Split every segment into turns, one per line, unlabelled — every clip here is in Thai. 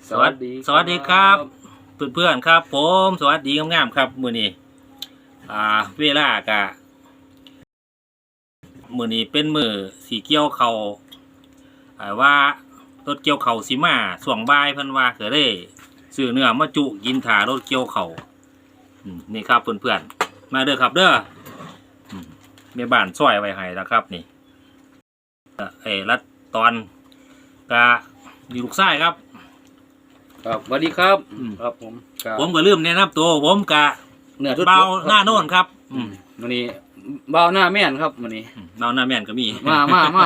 สวัสดีครับเพื่อนๆครับผมสวัสดีงามๆครับมื้อนี้เวลากะมื้อนี้เป็นมื้อสีเกี่ยวเขาว่ารถเกี่ยวเขาสิมาช่วงบ่ายเพิ่นว่าก็เลยซื้อเนื้อมาจุกินถ่ารถเกี่ยวเขานี่ครับเพื่อนๆมาเด้อครับเด้อแม่บ้านซอยไว้ให้แล้วครับนี่รัดตอนกะมีลูกชายครับ
ครับสวัสดีครับครับผม
ก็ลืมแนะนำตัวผมกะ
เนื้อ
เบาหน้าโน่นครับ
วันนี้เบาหน้าแม่นครับวันนี้
เบาหน้าแม่นก็มี
มา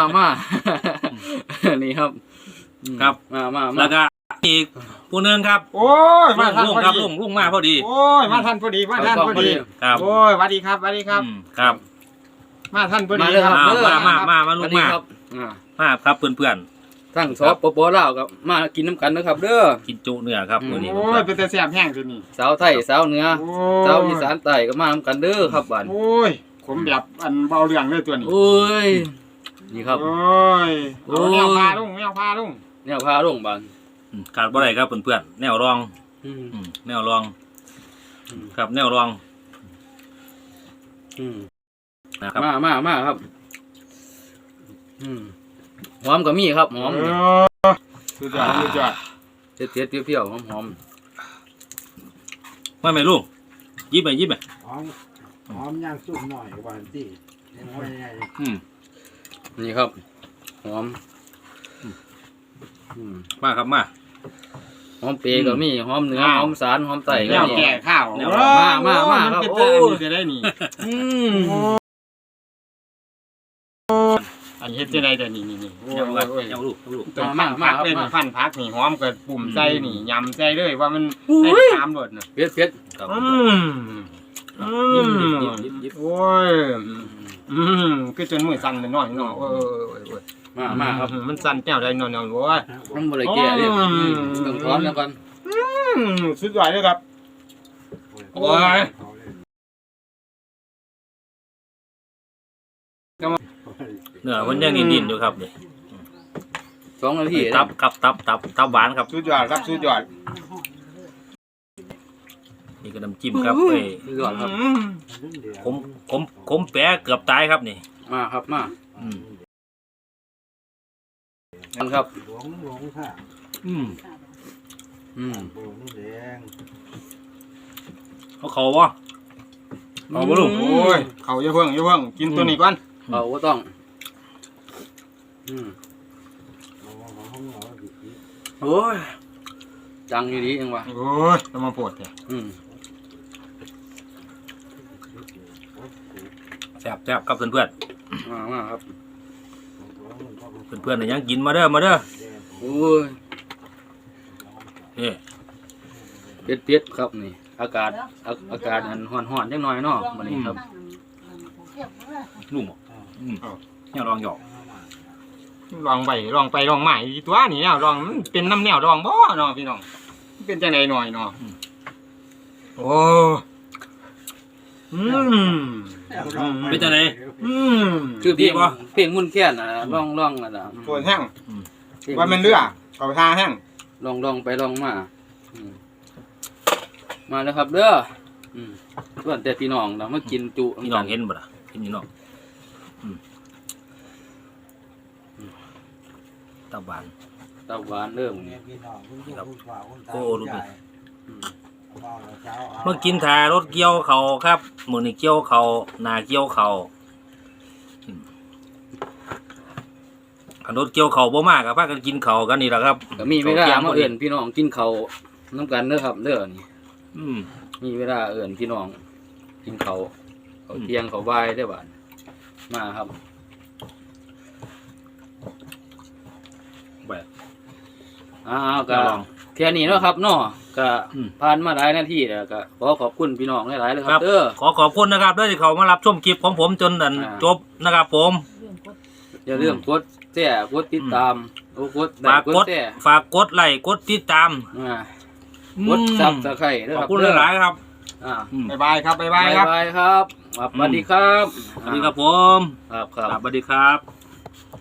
นี่ครับ
ครับ
มา
แล้วก็อีกผู้นึงครับ
โอ้ยมาทันพอดี
ลุงมาพอดี
โอ้ยมาทันพอดี
ครับ
โอ้ยสวัสดีครับ
ครับ
มาทันพอดี
มาลุงมาครับเพื่อน
ทั้งสปปลาวกับมากินน้ำกันนะครับเด้อ
กินจุเนื้อครับมื้อนี้
โอ้ยเป็นแต่แซ่บแห้งทีนี้
สาวไทยสาวเหนือสาวอีสานใต้ก็มาน้ำกันเด้อครับบ้าน
โอ้ยผมแบบอันเบาเรื่องเลยตัวนี้
โอ้ยนี่ครับ
โอ้ยแนวพาลุง
แนวพาลุงบ้าน
ขาดบ่ได้ครับเพื่อนๆแนวรองแนวรองครับแนวรอง
นะครับมาครับหอมก็มีครับหอม
สุดยอด
เผ็ดเปรี้ยวหอม
ว่าไหมลูกยิบไป
หอมย่างสุกหน่อยกว่าที่
นี่ครับหอม
มาครับมา
หอมเปรย์ก็มีหอมเนื้อหอมสารหอมไต
ก็มีแก่ข้าว
มาครับโอ้
จะได้นี่อันเฮ็ดจะได้แต่นี่
โอ้ยเอาลูก
ตัวมาเป็นฟันพักนี่หอมกับปุ่มใจนี่ยำใจเลยว่ามันให้ตามรสน่ะ
เผ็ด
ยิบโอ้ยคือจนมือสั่นเลยหน่อยโอ้ย
มาครับ
มันสั่นแก้วได้หน่อยโอ้ย
มันบ่ได้แก่เด้ต้องถอนแล้วก่อน
สุดยอดเลยครับโอ้ย
เนื้อมันยังดินอยู่ครับนี่
2 นาที
ตับหวานครับ
สุดยอดครับสุดยอด
นี่ก็น้ำจิ้มครับ
สุดยอดครับ
ผมแปะเกือบตายครับนี่
มาครับมาครับ
หลวงค่ะโบนี่แดง
เขาวะ
เอาบ่ลูกโอ้ยเขาอย่าเพิ่งกินตัวนี้ก่อน
เอาบ่ต้องโอ้ยจังอยู่ดีเองวะ
โอ้ยจะมาปวดเนี่ย
แซ่บครับเพื่อน
มาครับ
เพื่อนยังกินมาเด้อ
โอ้ย
นี่
เผ็ดครับนี่อากาศอันร้อนจังหน่อยเนาะมื้อนี้ครับ
ลุงเนี่ยลองหยอก
ลองไปลองใหม่ตัวนี้เนี่ยลองเป็นน้ำแนวลองบ่เนาะพี่น้องเป็นจังได๋หน่อยเนาะโอ้
เป็นจังได๋
คือเพลงมุ่นแค้นน่ะร้องน่ะน่ะ
ปวดแห้งว่ามันเลือเขาทาแห้ง
ลองไปลองมาแล้วครับเด้อส่วนแต่พี่น้องนะมากินจุ
พี่น้องเห็นบ่ล่ะเห็นพี่น้องตับหวาน
เริ่ม
โอ้ดูดิเมื่อกินถ่ารถเกี่ยวเขาครับมื้อนี้เกี่ยวเขานาเกี่ยวเขารถเกี่ยวเขาบ่มากครับพากันกินเขากันนี่แหละครับ
ก็มีเวลามาเอิ้นพี่น้องกินเขาน้ำกันเด้อครับเด้อนี่มีเวลาเอิ้นพี่น้องกินเขาเที่ยงเขาบ่ายได้บ่มาครับก็แค่นี้เนาะครับเนาะก็ผ่านมาหลายนาทีแล้วก็ขอบคุณพี่น้องหลายๆเลยครับ
ขอบคุณนะครับด้วยที่เขามารับชมคลิปของผมจนจบนะครับผม
อย่าลืมกดแชร์กดติดตาม
ฝากกดไลค์กดติดตาม
กดซับสไครต์
ขอบคุณหลายๆครับ
บ๊ายบายครับ
สวัสดีครับ
สวัสดีครับผม
ครับ
สวัสดีครับ